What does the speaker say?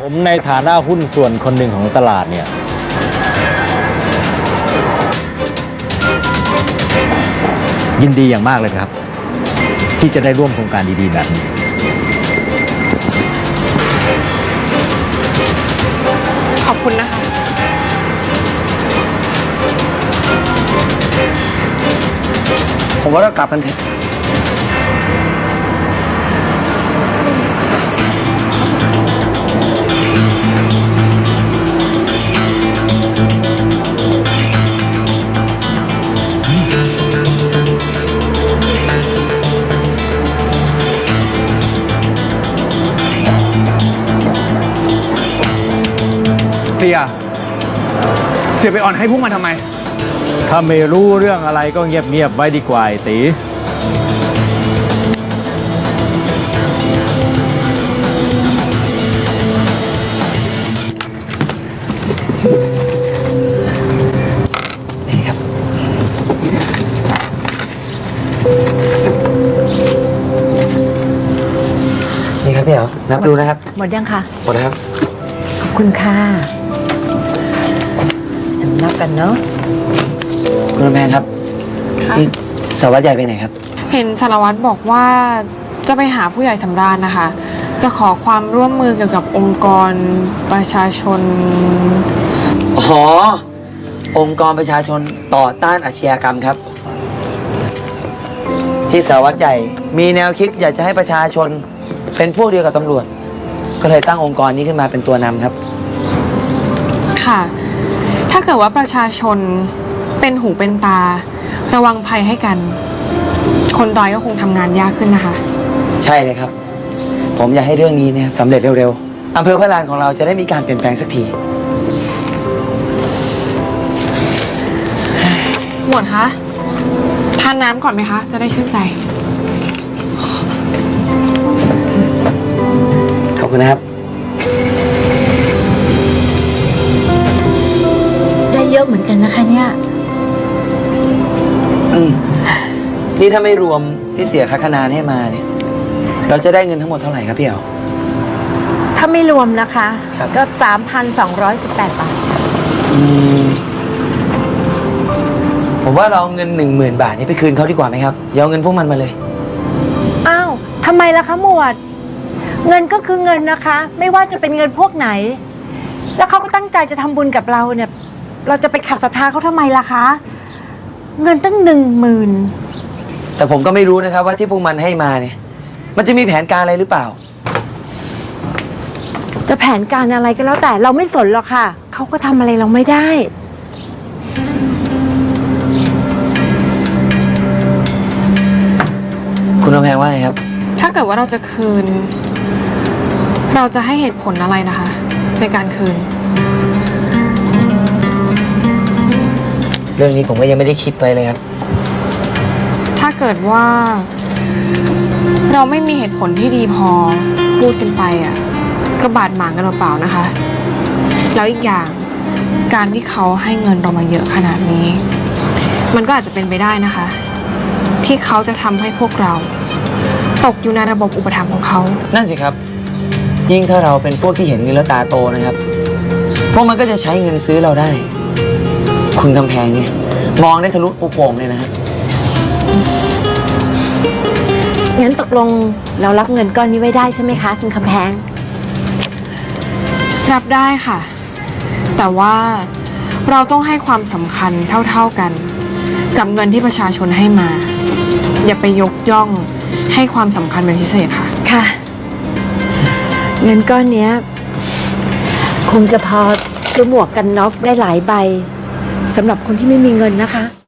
ผมในฐานะหุ้นส่วนคนหนึ่งของตลาดเนี่ยยินดีอย่างมากเลยครับ ที่จะได้ร่วมโครงการดีๆแบบนี้ขอบคุณนะคะผมว่าเรากลับกันเถอะเสียไปอ่อนให้พวกมันทำไมถ้าไม่รู้เรื่องอะไรก็เงียบๆไว้ดีกว่าไอ้ตีนี่ครับนี่ครับพี่เหรอนับดูนะครับหมดยังคะหมดแล้วครับขอบคุณค่ะนับกันเนาะคุณแม่ครับนี่สารวัตรใหญ่ไปไหนครับเห็นสารวัตรบอกว่าจะไปหาผู้ใหญ่สำราญนะคะจะขอความร่วมมือเกี่ยวกับองค์กรประชาชนอ๋อองค์กรประชาชนต่อต้านอาชญากรรมครับที่สารวัตรใหญ่มีแนวคิดอยากจะให้ประชาชนเป็นพวกเดียวกับตำรวจก็เลยตั้งองค์กรนี้ขึ้นมาเป็นตัวนำครับค่ะถ้าเกิดว่าประชาชนเป็นหูเป็นตาระวังภัยให้กันคนร้ายก็คงทำงานยากขึ้นนะคะใช่เลยครับผมอยากให้เรื่องนี้เนี่ยสำเร็จเร็วๆอำเภอพระลานของเราจะได้มีการเปลี่ยนแปลงสักทีหมวดคะทานน้ำก่อนไหมคะจะได้ชื่นใจขอบคุณนะครับได้เยอะเหมือนกันนะคะเนี่ยนี่ถ้าไม่รวมที่เสียค่าคะนานให้มาเนี่ยเราจะได้เงินทั้งหมดเท่าไหร่ครับพี่เอ๋ถ้าไม่รวมนะคะก็3,218 บาทผมว่าเราเอาเงิน10,000 บาทนี้ไปคืนเขาดีกว่าไหมครับอย่าเอาเงินพวกมันมาเลยอ้าวทำไมล่ะคะหมวดเงินก็คือเงินนะคะไม่ว่าจะเป็นเงินพวกไหนแล้วเขาก็ตั้งใจจะทำบุญกับเราเนี่ยเราจะไปขัดศรัทธาเขาทำไมล่ะคะเงินตั้ง10,000 แต่ผมก็ไม่รู้นะครับว่าที่พวกมันให้มาเนี่ยมันจะมีแผนการอะไรหรือเปล่าจะแผนการอะไรก็แล้วแต่เราไม่สนหรอกค่ะเขาก็ทำอะไรเราไม่ได้คุณกำแพงว่าไงครับถ้าเกิดว่าเราจะคืนเราจะให้เหตุผลอะไรนะคะในการคืนเรื่องนี้ผมก็ยังไม่ได้คิดไปเลยครับถ้าเกิดว่าเราไม่มีเหตุผลที่ดีพอพูดกันไปอ่ะก็บาดหมางกันเปล่าๆนะคะแล้วอีกอย่างการที่เขาให้เงินเรามาเยอะขนาดนี้มันก็อาจจะเป็นไปได้นะคะที่เขาจะทำให้พวกเราตกอยู่ในระบบอุปถัมภ์ของเขานั่นสิครับยิ่งถ้าเราเป็นพวกที่เห็นเงินแล้วตาโตนะครับพวกมันก็จะใช้เงินซื้อเราได้คุณกำแพงเนี่ยมองได้ทะลุโป่งเลยนะฮะงั้นตกลงเรารับเงินก้อนนี้ไว้ได้ใช่ไหมคะคุณกำแพงรับได้ค่ะแต่ว่าเราต้องให้ความสำคัญเท่าๆกันกับเงินที่ประชาชนให้มาอย่าไปยกย่องให้ความสำคัญเป็นพิเศษค่ะค่ะเงินก้อนนี้คงจะพอซื้อหมวกกันน็อกได้หลายใบสำหรับคนที่ไม่มีเงินนะคะ